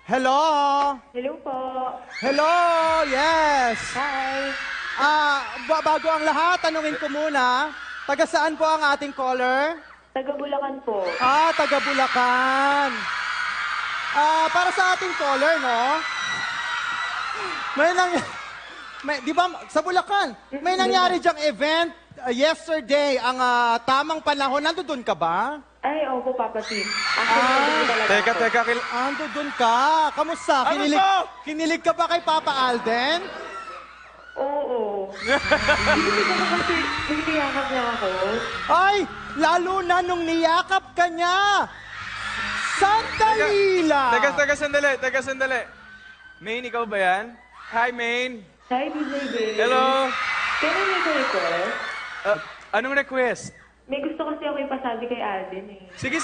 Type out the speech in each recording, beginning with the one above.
Hello? Hello po. Hello? Yes. Hi. Bago ang lahat, tanungin ko muna, taga saan po ang ating caller? Taga Bulacan po. Taga Bulacan. Para sa ating caller, no? Di ba, sa Bulacan, may nangyari diyang event yesterday, ang tamang panahon. Nandoon ka ba? Ay, opo, Papa Tim. Actually, talaga ako. Teka, Andun ka. Kamusta? Kinilig ka ba kay Papa Alden? Oo. Hindi ko na kasi nagtiyakap niya ako. Ay, lalo na nung niyakap ka niya. Sandali lang. Teka, sandali. Maine, ikaw ba yan? Hi, Maine. Hi, DJ Babe. Hello. Can I make a request? Anong request? May gusto kasi ako ipasabi kay Alden eh. Sige.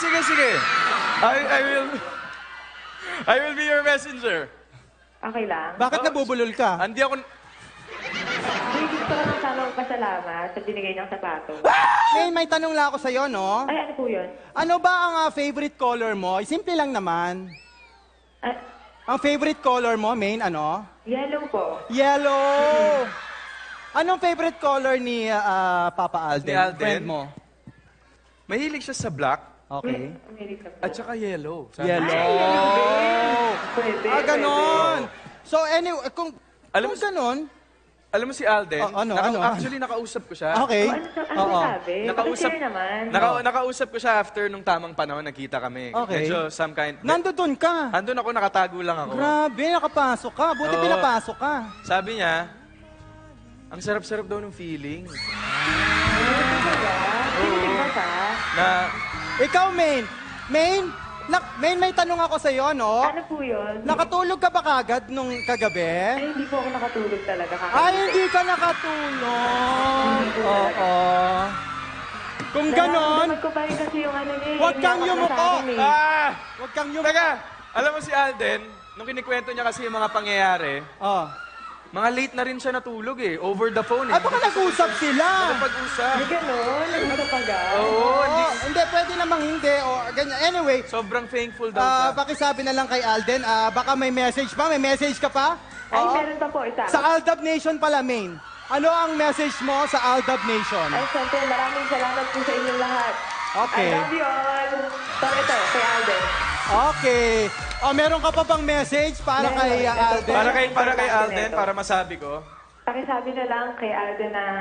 I will be your messenger. Okay lang? Bakit nabubulol ka? Andi ako... May gusto ko lang sana magpasalamat sa binigay niyang sapato. May tanong lang ako sa'yo, no? Ay, ano po yun? Ano ba ang favorite color mo? Simple lang naman. Ah, Ang favorite color mo, Main, ano? yellow po. Yellow! Anong favorite color ni Papa Alden? Ni Alden? Friend mo? Mahilig siya sa black Okay. America po. at saka yellow. Yellow! Pwede, Ganon! So anyway, kung Alam mo- ganon, Alam mo si Alden? ano? Actually, nakausap ko siya. okay. Ano sabi? Nakausap, Pakishare naman. nakausap ko siya after nung tamang panahon, nagkita kami. Okay. Medyo some kind... Nandun ka. Andun ako, nakatago lang ako. Grabe, nakapasok ka. Buti Oo. pinapasok ka. Sabi niya, ang sarap-sarap daw ng feeling. Kinilig ba siya? Na, Ikaw, Main. Main, may tanong ako sa'yo, no? Ano po yun? Nakatulog ka ba kagad nung kagabi? Ay, hindi po ako nakatulog talaga. Ay, hindi ka nakatulog. Oo. Kung ganon, Nararamdaman ko pa rin kasi yung ano niya. Huwag kang iniyak ako sa yumuko. akin eh. huwag kang yung... Teka, alam mo si Alden, nung kinikwento niya kasi yung mga pangyayari, Oh. mga late na rin siya natulog eh, over the phone eh. Ay, baka nag-usap sila. Nakapag-usap. May gano'n? Nag-usap agad? Oo, hindi. Hindi, pwede namang hindi. O, ganyan. Anyway, Sobrang thankful daw siya. pakisabi na lang kay Alden, baka may message pa. May message ka pa? Ay, Oo. meron pa po isa. Sa Aldab Nation pala, Main. Ano ang message mo sa Aldab Nation? Ay, siyempre, maraming salamat po sa inyong lahat. Okay. I love you all. So, ito, kay Alden. Okay. Meron ka pa bang message para Meron. kay Alden? Para kay Alden, para masabi ko. Pakisabi na lang kay Alden na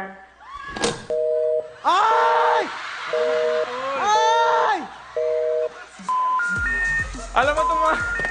Ay! Ay! Alam mo itong mga...